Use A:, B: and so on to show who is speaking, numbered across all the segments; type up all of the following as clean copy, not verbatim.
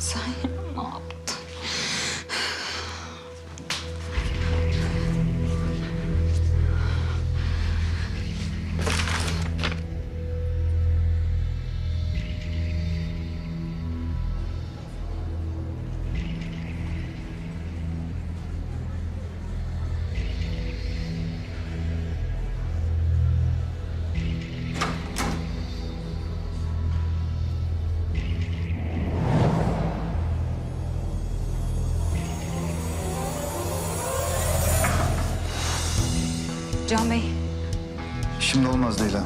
A: Sen ne yaptın? Can Bey.
B: Şimdi olmaz Leyla.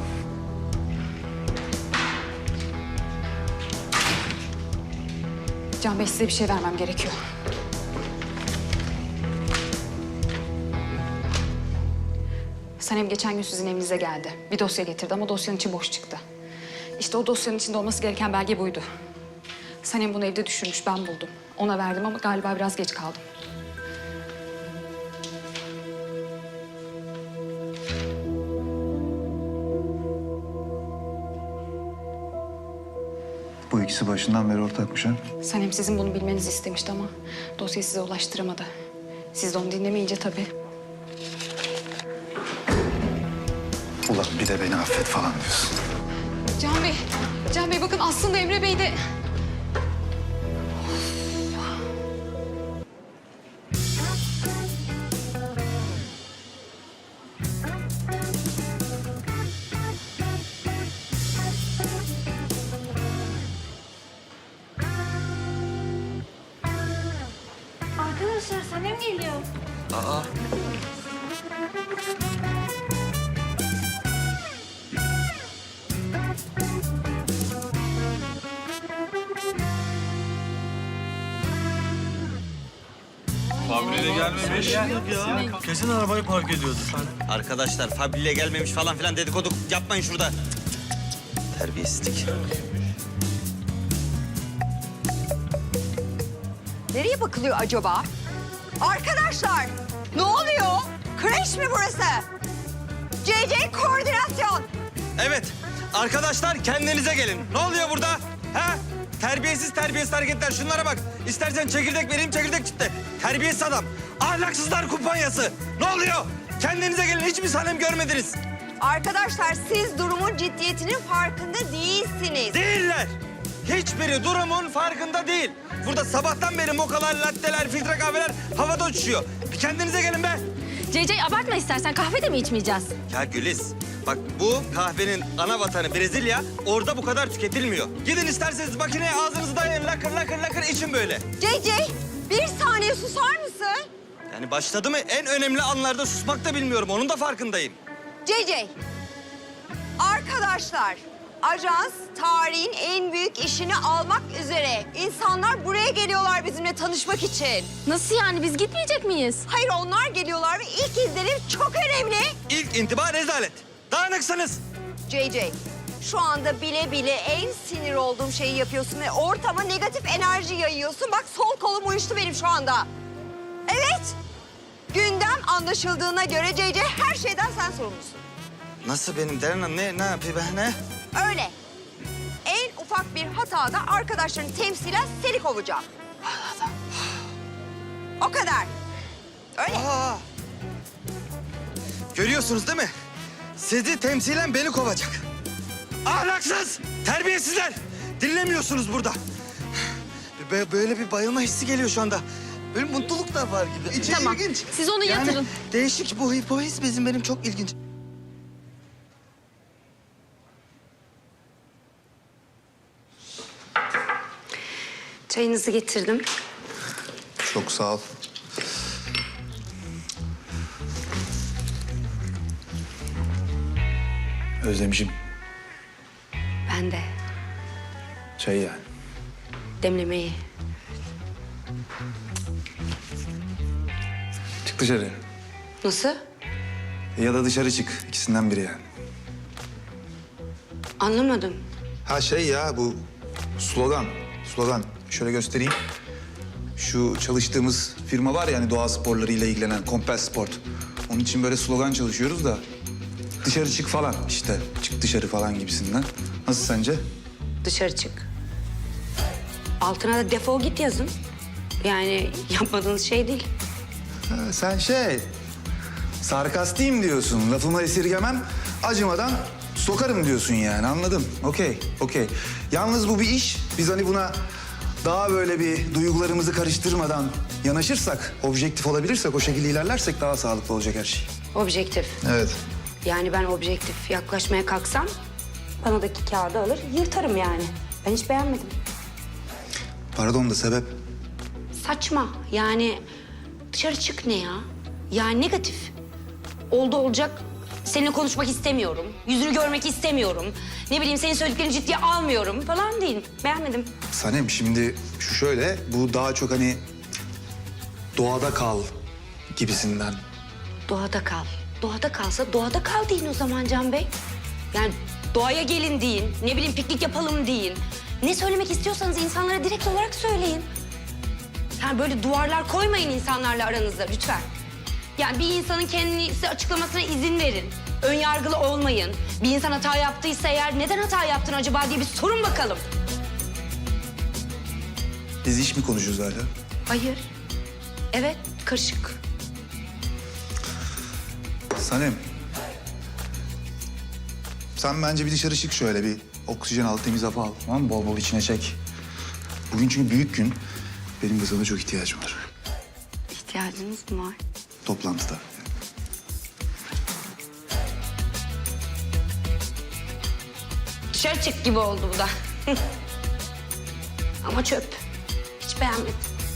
A: Can Bey size bir şey vermem gerekiyor. Sanem geçen gün sizin evinize geldi. Bir dosya getirdi ama dosyanın içi boş çıktı. İşte o dosyanın içinde olması gereken belge buydu. Sanem bunu evde düşürmüş, ben buldum. Ona verdim ama galiba biraz geç kaldım.
B: Bu ikisi başından beri ortakmış ha.
A: Sanem sizin bunu bilmenizi istemişti ama dosyayı size ulaştıramadı. Siz de onu dinlemeyince tabii.
B: Ulan bir de beni affet falan diyorsun.
A: Can Bey bakın aslında Emre Bey de...
C: Arkadaşlar Sanem geliyor.
D: Aa.
E: Fabrile gelmemiş.
D: Kesin arabayı park ediyordu.
F: Arkadaşlar Fabrile gelmemiş falan filan dedikodu yapmayın şurada. Terbiyesizlik.
G: Nereye bakılıyor acaba? Arkadaşlar, ne oluyor? Kreş mi burası? CC koordinasyon.
F: Evet arkadaşlar kendinize gelin. Ne oluyor burada? Ha? Terbiyesiz hareketler. Şunlara bak. İstersen çekirdek vereyim, çekirdek çıktı. Terbiyesiz adam. Ahlaksızlar kumpanyası. Ne oluyor? Kendinize gelin. Hiç mi Sanem görmediniz?
G: Arkadaşlar, siz durumun ciddiyetinin farkında değilsiniz.
F: Değiller. Hiçbiri durumun farkında değil. Burada sabahtan beri mokalar, latteler, filtre kahveler havada uçuşuyor. Bir kendinize gelin be.
C: CC abartma istersen, kahve de mi içmeyeceğiz?
F: Ya Güliz, bak bu kahvenin ana vatanı Brezilya, orada bu kadar tüketilmiyor. Gidin isterseniz makineye ağzınızı dayayın, lakır lakır lakır için böyle.
G: CC, bir saniye susar mısın?
F: Yani başladı mı en önemli anlarda susmak da bilmiyorum, onun da farkındayım.
G: CC, arkadaşlar, ajans tarihin en büyük işini almak üzere. İnsanlar buraya geliyorlar bizimle tanışmak için.
C: Nasıl yani, biz gitmeyecek miyiz?
G: Hayır, onlar geliyorlar ve ilk izlenim çok önemli.
F: İlk intiba rezalet. Dağınıksınız.
G: JJ, şu anda bile bile en sinir olduğum şeyi yapıyorsun ve ortama negatif enerji yayıyorsun. Bak sol kolum uyuştu benim şu anda. Evet, gündem anlaşıldığına göre JJ her şeyden sen sorumlusun.
F: Nasıl benim Deren Hanım, ne yapayım ben, ne?
G: Öyle. En ufak bir hatada arkadaşların temsilen seni kovacağım. O kadar. Öyle.
F: Aa! Görüyorsunuz değil mi? Sizi temsilen beni kovacak. Ahlaksız, terbiyesizler. Dinlemiyorsunuz burada. Böyle bir bayılma hissi geliyor şu anda. Böyle mutluluk da var gibi. İçi
C: Tamam,
F: ilginç.
C: siz onu yatırın.
F: Yani değişik bu his benim çok ilginç.
A: Çayınızı getirdim.
B: Çok sağ ol. Özlemişim
A: Ben de
B: çayı yani.
A: demlemeyi.
B: Çık dışarı.
A: Nasıl?
B: Ya da dışarı çık. İkisinden biri yani.
A: Anlamadım.
B: Ha şey ya bu slogan. Slogan. Şöyle göstereyim. Şu çalıştığımız firma var ya hani doğa sporlarıyla ilgilenen Compel Sport. Onun için böyle slogan çalışıyoruz da dışarı çık falan işte. Çık dışarı falan gibisinden. Nasıl sence?
A: Dışarı çık.
H: Altına da defol git yazın. Yani yapmadığınız şey değil.
B: Ha, sen sarkastiyim diyorsun. Lafımı esirgemem, acımadan sokarım diyorsun yani. Anladım. Okey. Yalnız bu bir iş. Biz hani buna daha böyle bir duygularımızı karıştırmadan yanaşırsak, objektif olabilirsek, o şekilde ilerlersek daha sağlıklı olacak her şey.
H: Objektif.
B: Evet.
H: Yani ben objektif yaklaşmaya kalksam panodaki kağıdı alır yırtarım yani. Ben hiç beğenmedim.
B: Pardon da sebep?
H: Saçma. Yani dışarı çık ne ya? Yani negatif. Oldu olacak. Seninle konuşmak istemiyorum. Yüzünü görmek istemiyorum. Ne bileyim senin söylediklerini ciddiye almıyorum falan değil. Beğenmedim.
B: Sanem şimdi şu şöyle, bu daha çok hani doğada kal gibisinden.
H: Doğada kal. Doğada kalsa doğada kal deyin o zaman Can Bey. Yani doğaya gelin deyin. Ne bileyim piknik yapalım deyin. Ne söylemek istiyorsanız insanlara direkt olarak söyleyin. Yani böyle duvarlar koymayın insanlarla aranızda lütfen. Yani bir insanın kendisi açıklamasına izin verin. Ön yargılı olmayın. Bir insan hata yaptıysa eğer neden hata yaptın acaba diye bir sorun bakalım.
B: Biz iş mi konuşuyoruz hala?
H: Hayır. Evet, karışık.
B: Sanem. Sen bence bir dışarı çık şöyle, bir oksijen al, temiz hava al. Tamam mı? Bol bol içine çek. Bugün çünkü büyük gün. Benim de sana çok ihtiyacım var.
H: İhtiyacınız mı var?
B: Toplantıda.
H: Dışarı çık gibi oldu bu da. Ama çöp. Hiç beğenmedim.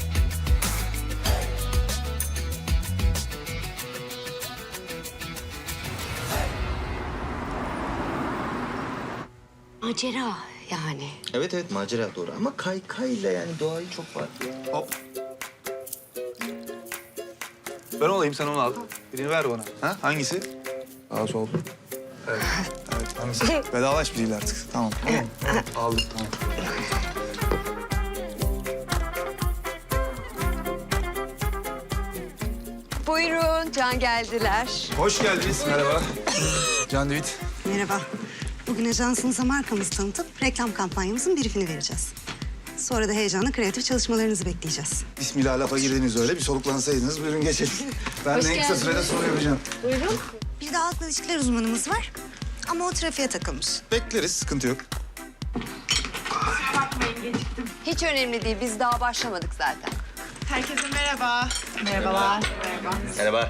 H: Macera yani.
F: Evet macera doğru ama kaykayla yani doğayı çok farklı.
B: Hop. Ben olayım, sen onu al. Birini ver bana. Ha? Hangisi? Sağ sol. Evet. Evet, hangisi? Vedalaş biriyle artık. Tamam. Aldım, tamam.
G: Buyurun, Can geldiler.
B: Hoş geldiniz. Merhaba. Can Divit.
I: Merhaba. Bugün ajansınıza markamızı tanıtıp reklam kampanyamızın briefini vereceğiz. Sonra da heyecanla kreatif çalışmalarınızı bekleyeceğiz.
B: Bismillah, lafa girdiniz öyle. Bir soluklansaydınız. Buyurun geçelim. Ben de en kısa sürede soru yapacağım.
I: Bir de halkla ilişkiler uzmanımız var. Ama o trafiğe takılmış.
B: Bekleriz, sıkıntı yok.
G: Hiç önemli değil, biz daha başlamadık zaten.
J: Herkese merhaba. Merhabalar.
F: Merhaba.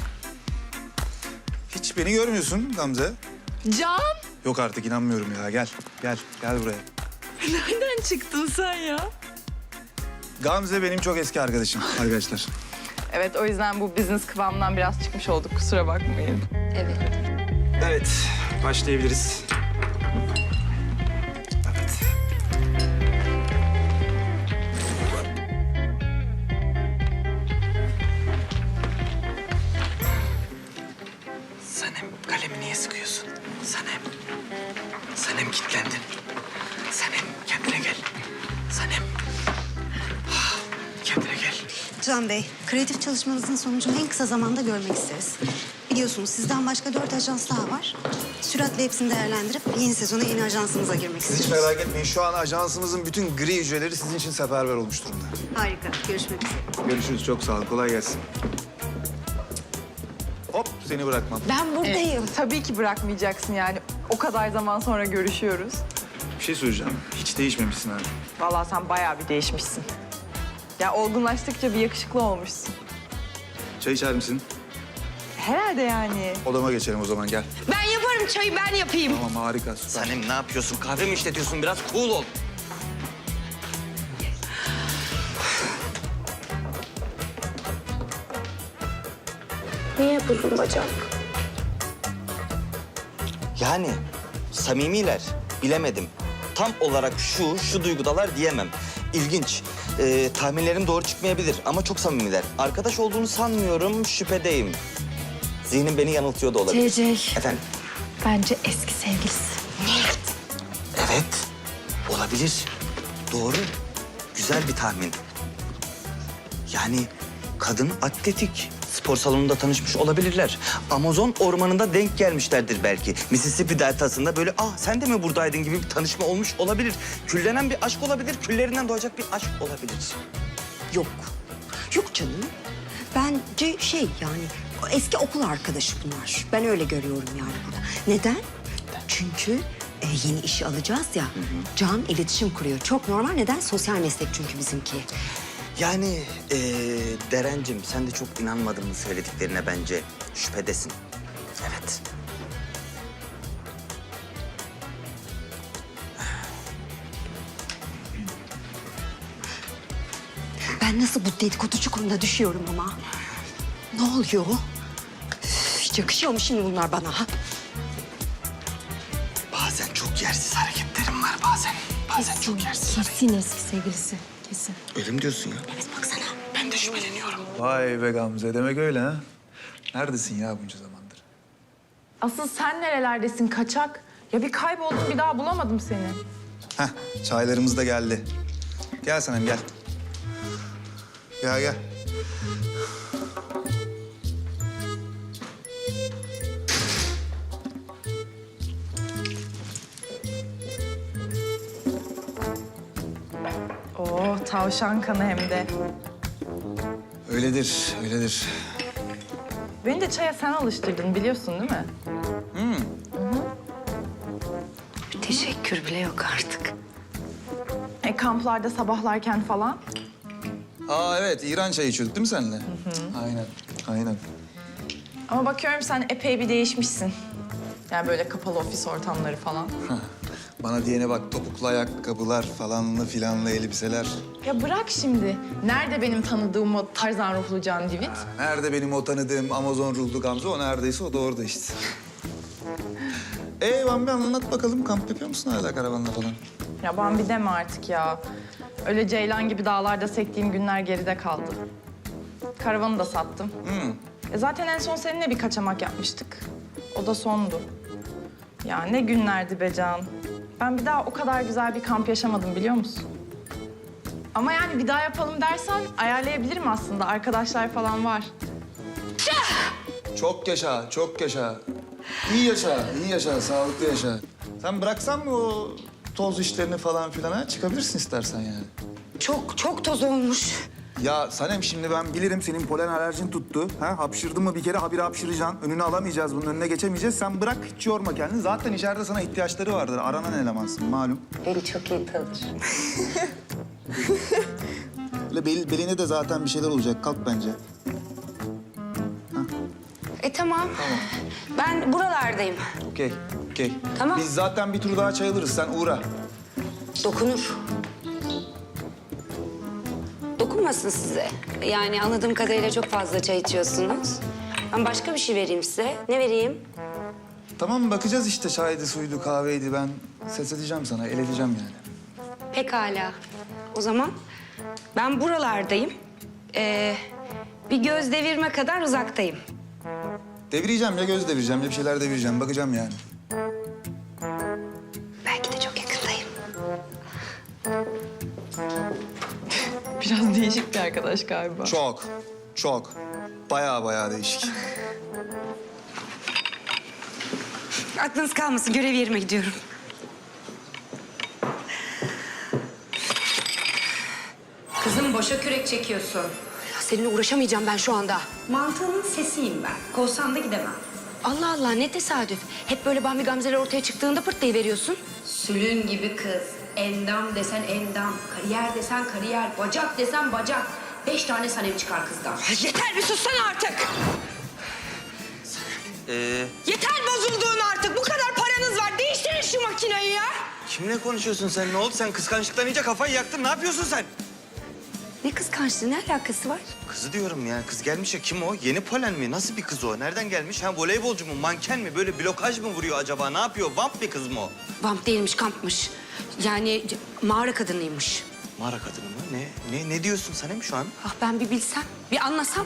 B: Hiç beni görmüyorsun Gamze.
J: Can,
B: Yok artık, inanmıyorum ya. Gel buraya.
J: nereden çıktın sen ya?
B: Gamze benim çok eski arkadaşım arkadaşlar.
J: Evet, o yüzden bu business kıvamından biraz çıkmış olduk. Kusura bakmayın.
G: Evet.
B: Evet, başlayabiliriz. Evet.
F: Sanem kalemi niye sıkıyorsun? Sanem kilitlendin. Sanem kendine gel. Sanem. Kendine gel.
I: Can Bey, kreatif çalışmanızın sonucunu en kısa zamanda görmek isteriz. Biliyorsunuz sizden başka 4 ajans daha var. Süratle hepsini değerlendirip yeni sezona yeni ajansımıza girmek
B: Siz hiç
I: istiyoruz.
B: merak etmeyin. Şu an ajansımızın bütün gri hücreleri sizin için seferber olmuş durumda.
I: Harika. Görüşmek üzere.
B: Görüşürüz. Çok sağ ol. Kolay gelsin. Hop, seni bırakmam.
H: Ben buradayım.
J: Tabii ki bırakmayacaksın yani. O kadar zaman sonra görüşüyoruz.
B: Bir şey söyleyeceğim. Hiç değişmemişsin abi.
J: Vallahi sen bayağı bir değişmişsin. Ya olgunlaştıkça bir yakışıklı olmuşsun.
B: Çay içer misin?
J: Herhalde yani.
B: Odama geçelim o zaman, gel.
H: Ben yaparım çayı, ben yapayım.
B: Tamam, harika, süper.
F: Sanem ne yapıyorsun? Kahve mi işletiyorsun? Biraz cool ol.
H: Niye buldun bacak?
F: Yani samimiler. Bilemedim. Tam olarak şu duygudalar diyemem. İlginç. Tahminlerim doğru çıkmayabilir ama çok samimiler. Arkadaş olduğunu sanmıyorum, şüphedeyim. Zihnim beni yanıltıyor da olabilir.
C: CC.
F: Efendim?
C: Bence eski sevgilisi.
F: Evet. Olabilir. Doğru. Güzel bir tahmin. Yani kadın atletik, spor
K: spor salonunda tanışmış olabilirler. Amazon ormanında denk gelmişlerdir belki. Mississippi deltasında böyle sen de mi buradaydın gibi bir tanışma olmuş olabilir. Küllenen bir aşk olabilir, küllerinden doğacak bir aşk olabilir.
G: Yok. Yok canım. Bence yani o eski okul arkadaşı bunlar. Ben öyle görüyorum yani burada. Neden? Çünkü yeni işi alacağız ya. Can iletişim kuruyor. Çok normal. Neden? Sosyal meslek çünkü bizimki.
K: Yani Derencim sen de çok inanmadın mı söylediklerine bence? Şüphedesin. Evet.
G: Ben nasıl bu dedikodu çukuruna düşüyorum ama? Ne oluyor? Üf, hiç yakışıyor mu şimdi bunlar bana? Ha?
K: Bazen çok yersiz hareketlerim var bazen. Bazen çok yersiz.
C: Kesin eski sevgilisi. Kesin.
K: Öyle mi diyorsun ya?
G: Evet baksana.
K: Ben de şüpheleniyorum.
B: Vay be Gamze, demek öyle ha? Neredesin ya bunca zamandır?
J: Asıl sen nerelerdesin kaçak? Ya bir kayboldum bir daha bulamadım seni.
B: Heh, çaylarımız da geldi. Gel Sanem, gel. Gel.
J: Oo tavşan kanı hem de.
B: Öyledir.
J: Beni de çaya sen alıştırdın biliyorsun değil mi?
H: Bir teşekkür bile yok artık.
J: Kamplarda sabahlarken falan.
B: Aa evet, İran çayı içiyorduk değil mi seninle? Aynen.
J: Ama bakıyorum sen epey bir değişmişsin. Yani böyle kapalı ofis ortamları falan.
B: Bana diyene bak, topuklu ayakkabılar falanlı filanlı elbiseler.
J: Ya bırak şimdi. Nerede benim tanıdığım o Tarzan ruhlu Can Divit?
B: Nerede benim o tanıdığım Amazon ruhlu Gamze? O neredeyse o da orada işte. Bambi anlat bakalım, kamp yapıyor musun hala karavanla falan?
J: Ya Bambi deme artık ya. Öyle ceylan gibi dağlarda sektiğim günler geride kaldı. Karavanı da sattım. Zaten en son seninle bir kaçamak yapmıştık. O da sondu. Ya ne günlerdi be Can. Ben bir daha o kadar güzel bir kamp yaşamadım biliyor musun? Ama yani bir daha yapalım dersen ayarlayabilirim aslında. Arkadaşlar falan var.
B: Çok yaşa. İyi yaşa, sağlıklı yaşa. Sen bıraksan mı o toz işlerini falan filan ha? Çıkabilirsin istersen yani.
H: Çok toz olmuş.
B: Ya Sanem, şimdi ben bilirim senin polen alerjin tuttu. Ha? Hapşırdın mı bir kere habire hapşıracaksın. Önünü alamayacağız, bunun önüne geçemeyeceğiz. Sen bırak, hiç yorma kendini. Zaten içeride sana ihtiyaçları vardır. Aranan elemansın malum.
H: Beni çok iyi tanır.
B: Öyle beline de zaten bir şeyler olacak. Kalk bence.
H: Tamam. Ben buralardayım.
B: Okey.
H: Tamam.
B: Biz zaten bir tur daha çay alırız. Sen uğra.
H: Dokunur. Dokunmasın size. Yani anladığım kadarıyla çok fazla çay içiyorsunuz. Ben başka bir şey vereyim size. Ne vereyim?
B: Tamam, bakacağız işte, çaydı, suydu, kahveydi. Ben ses edeceğim sana, el edeceğim yani.
H: Pekala. O zaman ben buralardayım. Bir göz devirme kadar uzaktayım.
B: Devireceğim ya, göz devireceğim ya, bir şeyler devireceğim. Bakacağım yani.
H: Belki de çok yakındayım.
J: Biraz değişik bir arkadaş galiba.
B: Çok. Bayağı değişik.
H: Aklınız kalmasın. Görev yerime gidiyorum. Kızım boşa kürek çekiyorsun. Ya seninle uğraşamayacağım ben şu anda. Mantığının sesiyim ben. Kovsan da gidemem. Allah Allah ne tesadüf. Hep böyle Bambi Gamze'ler ortaya çıktığında pırtlayıveriyorsun. Sülün gibi kız. Endam desen endam. Kariyer desen kariyer. Bacak desen bacak. 5 tane Sanem çıkar kızdan. Yeter bir sussana artık. Yeter bozulduğun artık. Bu kadar paranız var. Değiştirin şu makineyi ya.
K: Kimle konuşuyorsun sen? Ne oldu? Sen kıskançlıktan iyice kafayı yaktın. Ne yapıyorsun sen?
H: Ne kıskançlığı, ne alakası var?
K: Kızı diyorum yani. Kız gelmiş ya. Kim o? Yeni polen mi? Nasıl bir kız o? Nereden gelmiş? Ha voleybolcu mu? Manken mi? Böyle blokaj mı vuruyor acaba? Ne yapıyor? Vamp bir kız mı o?
H: Vamp değilmiş, kampmış. Yani mağara kadınıymış.
K: Mağara kadını mı? Ne diyorsun Sanem şu an?
H: Ah ben bir bilsem, bir anlasam.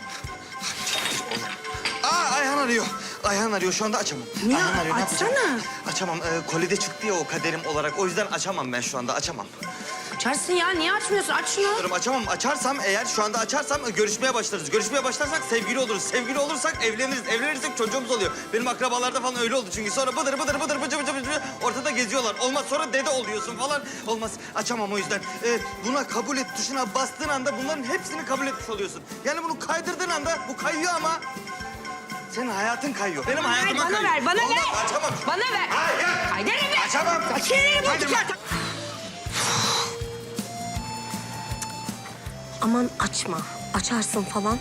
K: Ayhan arıyor. Şu anda açamam.
H: Ya,
K: Ayhan arıyor. Ne yapacağım?
H: açsana.
K: Açamam. Kolide çıktı ya o kaderim olarak. O yüzden açamam ben şu anda. Açamam.
H: Açarsın ya. Niye açmıyorsun? Aç şunu.
F: Diyorum açamam. Açarsam eğer şu anda açarsam görüşmeye başlarız. Görüşmeye başlarsak sevgili oluruz. Sevgili olursak evleniriz. Evlenirsek çocuğumuz oluyor. Benim akrabalarda falan öyle oldu çünkü. Sonra bıdır bıdır bıdır bıcı bıcı bıcı ortada geziyorlar. Olmaz sonra dede oluyorsun falan. Olmaz. Açamam o yüzden. Buna kabul et tuşuna bastığın anda bunların hepsini kabul etmiş oluyorsun. Yani bunu kaydırdığın anda bu kayıyor ama senin hayatın kayıyor. Benim hayatım
H: bana
F: kayıyor.
H: ver, bana
F: Olmaz,
H: ver.
F: Açamam.
H: Bana ver.
F: Hayır.
H: Kaydırırım ben.
F: Açamam.
H: Kaydırırım.
C: Aman açma. Açarsın falan.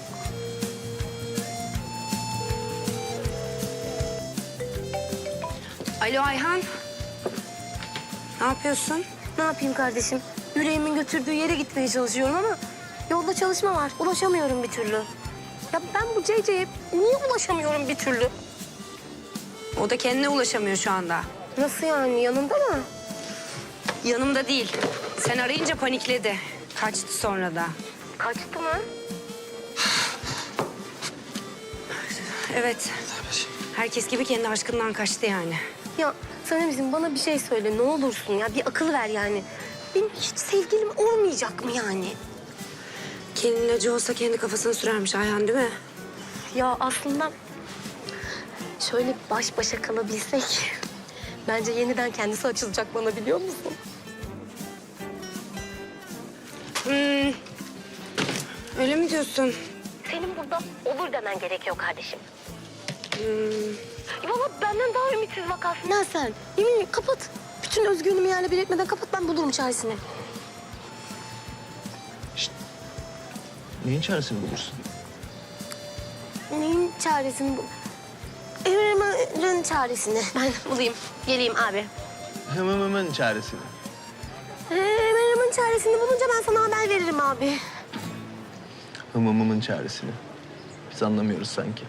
H: Alo Ayhan. Ne yapıyorsun?
C: Ne yapayım kardeşim? Yüreğimin götürdüğü yere gitmeye çalışıyorum ama yolda çalışma var. Ulaşamıyorum bir türlü. Ya ben bu CC'ye niye ulaşamıyorum bir türlü?
H: O da kendine ulaşamıyor şu anda.
C: Nasıl yani? Yanında mı?
H: Yanımda değil. Sen arayınca panikledi. Kaçtı sonra da.
C: Kaçtı mı?
H: Evet. Herkes gibi kendi aşkından kaçtı yani.
C: Ya Sanemciğim bana bir şey söyle ne olursun ya. Bir akıl ver yani. Benim hiç sevgilim olmayacak mı yani?
H: Kelin ilacı olsa kendi kafasına sürermiş Ayhan değil mi?
C: Ya aslında şöyle baş başa kalabilsek bence yeniden kendisi açılacak bana biliyor musun?
H: Öyle mi diyorsun?
C: Senin burada olur demen gerekiyor kardeşim. Valla benden daha ümitsiz vakasın. Ne sen? Yemin kapat. Bütün özgürlüğümü yerle bir etmeden kapat ben bulurum çaresini.
K: Neyin çaresini bulursun?
C: Neyin çaresini bu? Evrenin çaresini ben bulayım. Geleyim abi.
K: Hemen çaresini.
C: Evrenin çaresini bulunca ben sana haber veririm abi.
K: Hımımımın çaresini. Biz anlamıyoruz sanki.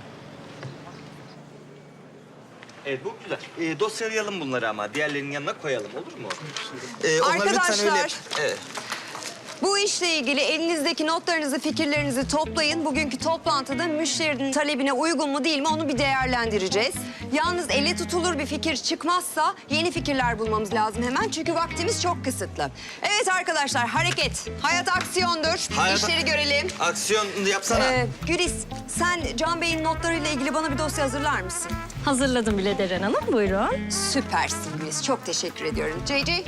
F: Evet bu güzel. Dosyalayalım bunları ama diğerlerinin yanına koyalım olur mu?
G: Arkadaşlar.
F: Evet.
G: Bu işle ilgili elinizdeki notlarınızı, fikirlerinizi toplayın. Bugünkü toplantıda müşterinin talebine uygun mu değil mi onu bir değerlendireceğiz. Yalnız elle tutulur bir fikir çıkmazsa yeni fikirler bulmamız lazım hemen. Çünkü vaktimiz çok kısıtlı. Evet arkadaşlar hareket. Hayat aksiyondur. İşleri görelim.
F: Aksiyon yapsana.
G: Güliz sen Can Bey'in notlarıyla ilgili bana bir dosya hazırlar mısın?
C: Hazırladım bile Deren Hanım buyurun.
G: Süpersin Güliz. Çok teşekkür ediyorum. JJ?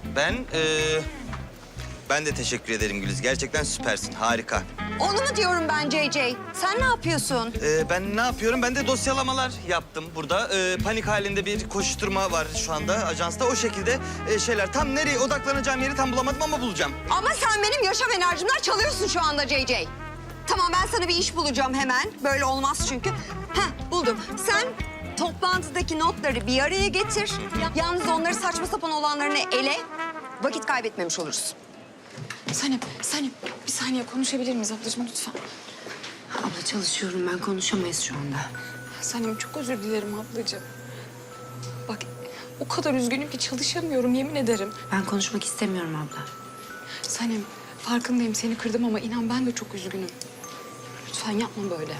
F: Ben de teşekkür ederim Güliz. Gerçekten süpersin. Harika.
G: Onu mu diyorum ben JJ? Sen ne yapıyorsun?
F: Ben ne yapıyorum? Ben de dosyalamalar yaptım burada. Panik halinde bir koşturma var şu anda ajansta. O şekilde şeyler. Tam nereye odaklanacağım yeri tam bulamadım ama bulacağım.
G: Ama sen benim yaşam enerjimden çalıyorsun şu anda JJ. Tamam ben sana bir iş bulacağım hemen. Böyle olmaz çünkü. Buldum. Sen toplantıdaki notları bir araya getir. Yalnız onları saçma sapan olanlarını ele. Vakit kaybetmemiş oluruz.
A: Sanem bir saniye konuşabilir miyiz ablacığım lütfen?
H: Abla çalışıyorum ben konuşamayız şu anda.
A: Sanem çok özür dilerim ablacığım. Bak o kadar üzgünüm ki çalışamıyorum yemin ederim.
H: Ben konuşmak istemiyorum abla.
A: Sanem farkındayım seni kırdım ama inan ben de çok üzgünüm. Lütfen yapma böyle.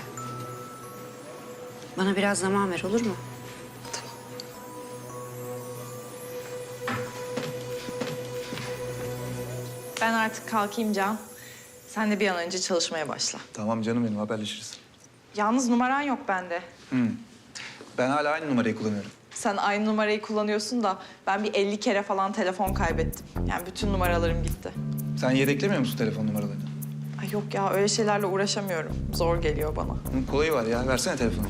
H: Bana biraz zaman ver olur mu?
A: Tamam.
J: Ben artık kalkayım Can. Sen de bir an önce çalışmaya başla.
B: Tamam canım benim haberleşiriz.
J: Yalnız numaran yok bende.
B: Ben hala aynı numarayı kullanıyorum.
J: Sen aynı numarayı kullanıyorsun da ben bir 50 kere falan telefon kaybettim. Yani bütün numaralarım gitti.
B: Sen yedeklemiyor musun telefon numaralarını?
J: Ay yok ya öyle şeylerle uğraşamıyorum. Zor geliyor bana.
B: Kolayı var ya. Versene telefonu.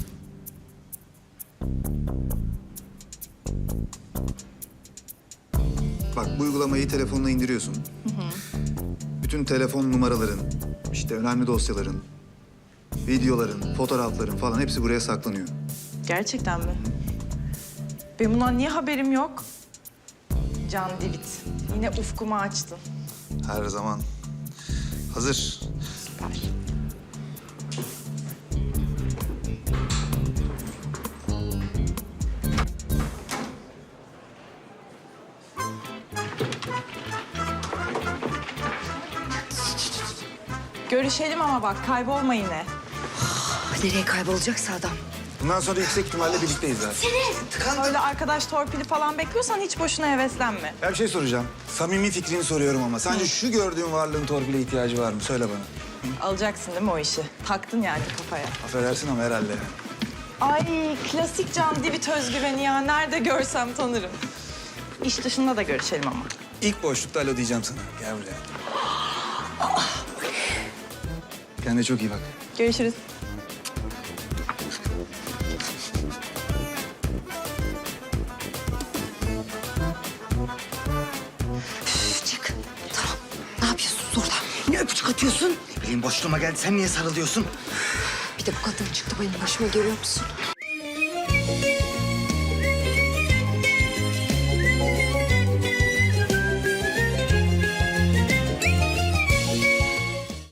B: Bak bu uygulamayı telefonuna indiriyorsun. Bütün telefon numaraların, işte önemli dosyaların, videoların, fotoğrafların falan hepsi buraya saklanıyor.
J: Gerçekten mi? Benim bundan niye haberim yok? Can Divit. Yine ufkumu açtın.
B: Her zaman. Hazır.
J: Süper. Görüşelim ama bak kaybolma yine.
H: Nereye kaybolacaksa adam.
B: Bundan sonra yüksek ihtimalle birlikteyiz zaten.
J: Öyle arkadaş torpili falan bekliyorsan hiç boşuna heveslenme.
B: Ya bir şey soracağım. Samimi fikrini soruyorum ama. Sence şu gördüğün varlığın torpile ihtiyacı var mı? Söyle bana.
J: Alacaksın değil mi o işi? Taktın yani kafaya.
B: Affedersin ama herhalde.
J: Ay klasik Can Divit özgüveni ya. Nerede görsem tanırım. İş dışında da görüşelim ama.
B: İlk boşlukta alo diyeceğim sana. Gel buraya. Kendine çok iyi bak.
J: Görüşürüz.
H: Çık. Tamam. Ne yapıyorsunuz orada?
K: Ne öpücük atıyorsun? Ne bileyim boşluğuma geldi. Sen niye sarılıyorsun?
H: Bir de bu kadın çıktı benim başıma görüyor musun?